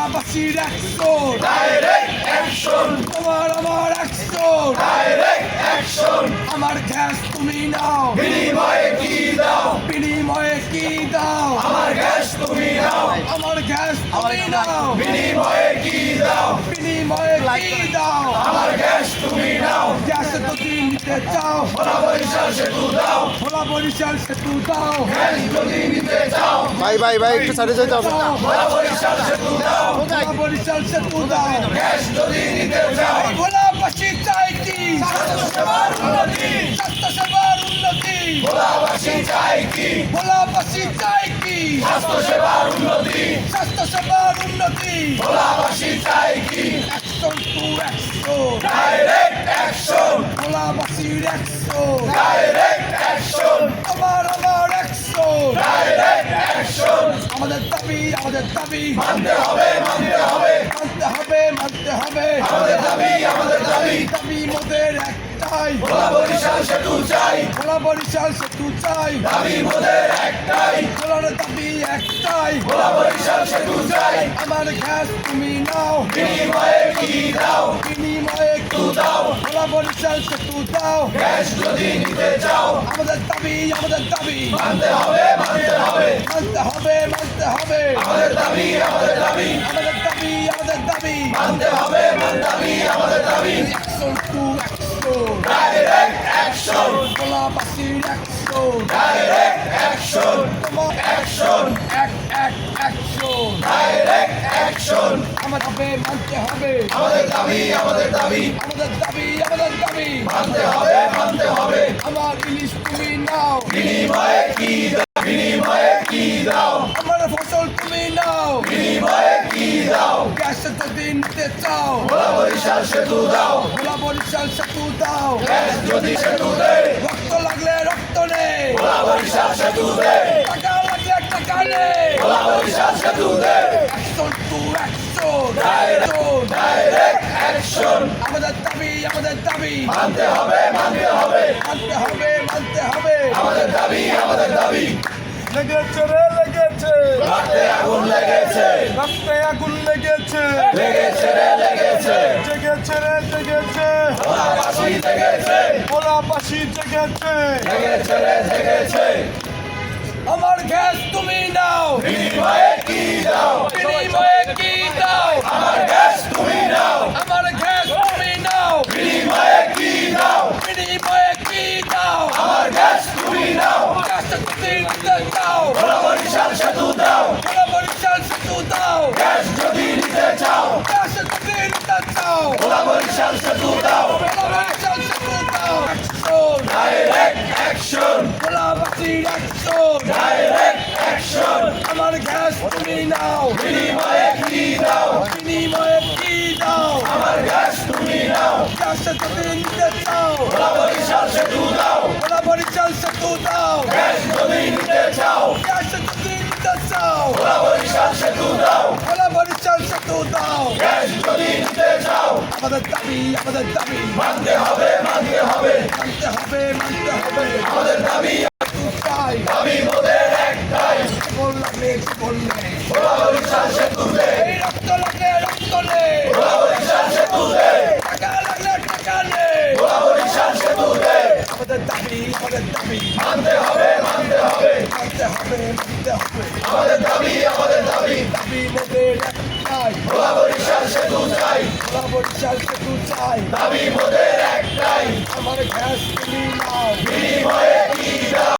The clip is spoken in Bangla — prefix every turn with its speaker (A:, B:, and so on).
A: ভোলাবাসীর অ্যাকশন,
B: ডাইরেক্ট অ্যাকশন,
A: তোমার আমার অ্যাকশন,
B: ডাইরেক্ট অ্যাকশন,
A: আমার গ্যাস তুমি নাও,
B: বিনিময়ে কি দাও,
A: বিনিময়ে কি দাও,
B: আমার গ্যাস তুমি নাও,
A: আমার গ্যাস তুমি নাও,
B: বিনিময়ে কি দাও,
A: বিনিময়ে কি দাও,
B: আমার গ্যাস তুমি নাও,
A: গ্যাস যদি নিতে চাও,
B: ভোলা বরিশাল সেতু দাও,
A: ভোলা বরিশাল সেতু দাও,
B: গ্যাস যদি নিতে চাও,
C: ভাই ভাই ভাই একটু সাইডে যেতে হবে।
B: ভোলা বরিশাল সেতু দাও,
A: ভোলা বরিশাল সেতু দাও,
B: গ্যাস যদি নিতে চাও,
A: ভোলাবাসী চাই কি
B: স্বাস্থ্যসেবার উন্নতি,
A: স্বাস্থ্যসেবার উন্নতি,
B: ভোলাবাসী চাই কি,
A: ভোলাবাসী চাই কি
B: স্বাস্থ্যসেবার উন্নতি,
A: স্বাস্থ্যসেবার উন্নতি,
B: ভোলাবাসী চাই কি,
A: action to action,
B: direct action,
A: ভোলাবাসীর অ্যাকশন,
B: ডাইরেক্ট অ্যাকশন,
A: আমার অ্যাকশন,
B: ডাইরেক্ট অ্যাকশন,
A: আমাদের দাবি
B: মানতে হবে, মানতে হবে,
A: মানতে হবে, মানতে হবে,
B: আমাদের দাবি, আমাদের দাবি,
A: দাবি মোদের একটাই,
B: ভোলা বরিশাল সেতু চাই,
A: ভোলা বরিশাল সেতু চাই,
B: দাবি মোদের একটাই,
A: ভোলার দাবি একটাই,
B: ভোলা বরিশাল সেতু চাই,
A: আমার গ্যাস তুমি নাও,
B: বিনিময়ে কি দাও,
A: বিনিময়ে কি দাও, ভোলা বরিশাল সেতু দাও,
B: গ্যাস যদি নিতে চাও,
A: আমাদের দাবি,
B: মানতে হবে, মানতে হবে,
A: মানতে হবে, মানতে হবে,
B: আমাদের দাবি, আমাদের দাবি,
A: আমাদের দাবি,
B: মানতে হবে, দাবি, আমাদের দাবি,
A: action to action,
B: direct action,
A: ভোলাবাসীর অ্যাকশন,
B: ডাইরেক্ট অ্যাকশন,
A: তোমার
B: অ্যাকশন,
A: অ্যাকশন,
B: ডাইরেক্ট অ্যাকশন,
A: আমার হবে, মানতে হবে,
B: আমাদের দাবি, আমাদের দাবি,
A: আমাদের দাবি,
B: মানতে হবে, মানতে হবে,
A: আমার ইলিশ তুমি নাও,
B: বিনিময়ে কি দাও, বিনিময়ে কি দাও,
A: আমার ফসল তুমি নাও,
B: বিনিময়ে কি দাও,
A: গ্যাস যদি নিতে চাও,
B: ভোলা বরিশাল সেতু দাও,
A: ভোলা বরিশাল সেতু দাও,
B: গ্যাস যদি সেতু দে,
A: রক্ত লাগলে রক্ত নে,
B: ভোলা বরিশাল সেতু দে,
A: টাকা লাগলে টাকা নে,
B: ভোলা বরিশাল সেতু দে,
A: action to action,
B: direct action,
A: আমাদের দাবি,
B: মানতে হবে, মানতে হবে,
A: মানতে হবে, মানতে হবে,
B: আমাদের দাবি, আমাদের দাবি,
A: লেগেছে রে লেগেছে,
B: রক্তে আগুন লেগেছে,
A: রক্তে আগুন লেগেছে,
B: লেগেছে রে লেগেছে,
A: জেগেছে রে জেগেছে,
B: ভোলাবাসী জেগেছে,
A: ভোলাবাসী জেগেছে,
B: জেগেছে রে জেগেছে,
A: আমার গ্যাস তুমি নাও,
B: বিনিময়ে কি দাও,
A: বিনিময়ে কি দাও,
B: আমার গ্যাস তুমি নাও,
A: আমার গ্যাস তুমি নাও,
B: বিনিময়ে কি দাও,
A: বিনিময়ে কি দাও,
B: আমার গ্যাস তুমি নাও,
A: গ্যাস যদি নিতে চাও,
B: ভোলা বরিশাল সেতু দাও,
A: ভোলা বরিশাল সেতু দাও,
B: গ্যাস যদি নিতে চাও,
A: গ্যাস যদি নিতে চাও,
B: ভোলা বরিশাল সেতু দাও,
A: ভোলা বরিশাল সেতু দাও, অ্যাকশন,
B: ডাইরেক্ট অ্যাকশন,
A: ভোলাবাসীর অ্যাকশন,
B: ডাইরেক্ট অ্যাকশন,
A: আমার গ্যাস তুমি নাও,
B: বিনিময়ে কি দাও,
A: বিনিময়ে কি দাও,
B: আমার গ্যাস তুমি নাও,
A: গ্যাস যদি নিতে চাও,
B: ভোলা বরিশাল সেতু দাও,
A: ভোলা বরিশাল সেতু দাও,
B: গ্যাস যদি নিতে চাও,
A: গ্যাস যদি নিতে চাও,
B: ভোলা বরিশাল সেতু দাও,
A: ভোলা বরিশাল সেতু দাও,
B: গ্যাস যদি নিতে চাও,
A: আমাদের দাবি,
B: মানতে হবে, মানতে হবে,
A: মানতে হবে, মানতে হবে,
B: আমাদের দাবি,
A: চাই,
B: দাবি মোদের একটাই,
A: বললে,
B: ভোলা বরিশাল সেতু দে,
A: এই রক্ত লাগলে রক্ত নে,
B: ভোলা বরিশাল সেতু দে,
A: টাকা লাগলে টাকা নে,
B: ভোলা বরিশাল সেতু দে,
A: আমাদের দাবি,
B: মানতে হবে, মানতে হবে,
A: মানতে হবে,
B: আমাদের দাবি, আমাদের দাবি,
A: দাবি মোদের একটাই,
B: ভোলা বরিশাল সেতু চাই,
A: ভোলা বরিশাল সেতু চাই,
B: দাবি মোদের একটাই,
A: আমার গ্যাস তুমি নাও,
B: বিনিময়ে